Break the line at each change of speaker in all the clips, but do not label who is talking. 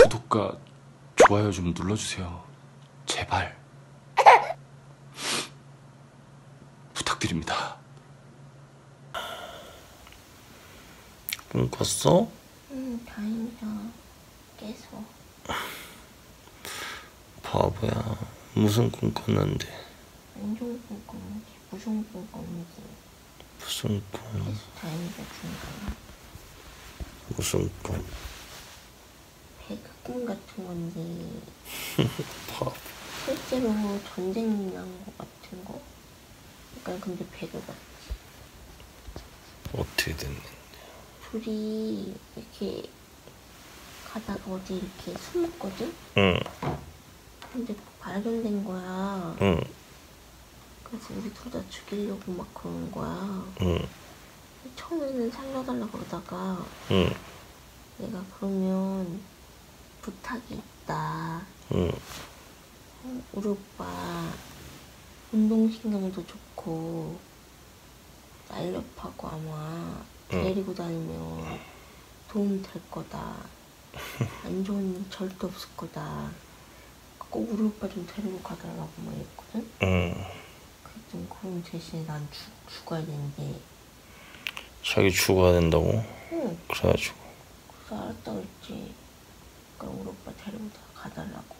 구독과 좋아요 좀 눌러주세요. 제발. 부탁드립니다.
꿈 꿨어?
응, 다행이다. 깨서.
바보야. 무슨 꿈 꿨는데?
안 좋은 꿈 꿨는지, 무서운 꿈 꿨는지.
무슨 꿈?
깨서 다행이다 중간에.
무슨 꿈?
배그 꿈 같은 건지.
바보.
실제로 전쟁 난 거 같은 거? 약간 근데 배그 같지.
어떻게 됐는데?
둘이 이렇게 가다가 어디 이렇게 숨었거든?
응.
근데 발견된 거야.
응.
그래서 우리 둘 다 죽이려고 막 그러는 거야.
응.
처음에는 살려달라 그러다가
응.
내가 그러면 부탁이 있다.
응.
우리 오빠 운동신경도 좋고 날렵하고 아마 데리고 다니면 도움 될 거다. 안 좋은 일 절대 없을 거다. 꼭 우리 오빠 좀 데리고 가달라고 막 했거든.
응.
그랬더니 그럼 대신에 난 죽어야 되는데.
자기 죽어야 된다고?
응.
그래가지고.
그래서 알았다 그랬지. 그럼 우리 오빠 데리고 가달라고.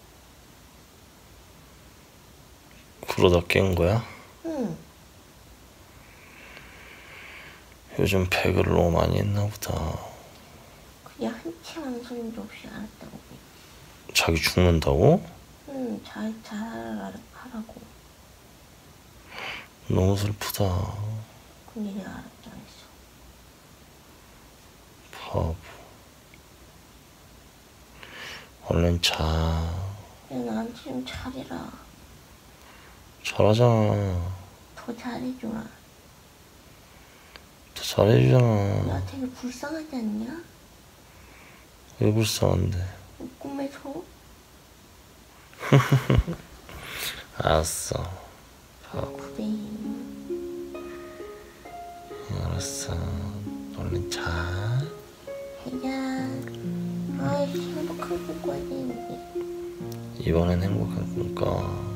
그러다 깬 거야?
응.
요즘 배그를 너무 많이 했나 보다.
그냥 한치 망설임도 없이 알았다고 그랬지.
자기 죽는다고?
응, 잘하라고.
너무 슬프다.
근데 내가 알았다 했어.
바보. 얼른 자.
야, 나한테 좀 잘해라.
잘하잖아.
더 잘해줘라.
더 잘해주잖아.
야, 되게 불쌍하지 않냐?
왜 불쌍한데?
꿈에서?
알았어.
그래.
알았어. 얼른 자.
해야. 아이씨, 행복한 꿈 꿔야 되는데.
이번엔 행복한 꿈 꿔.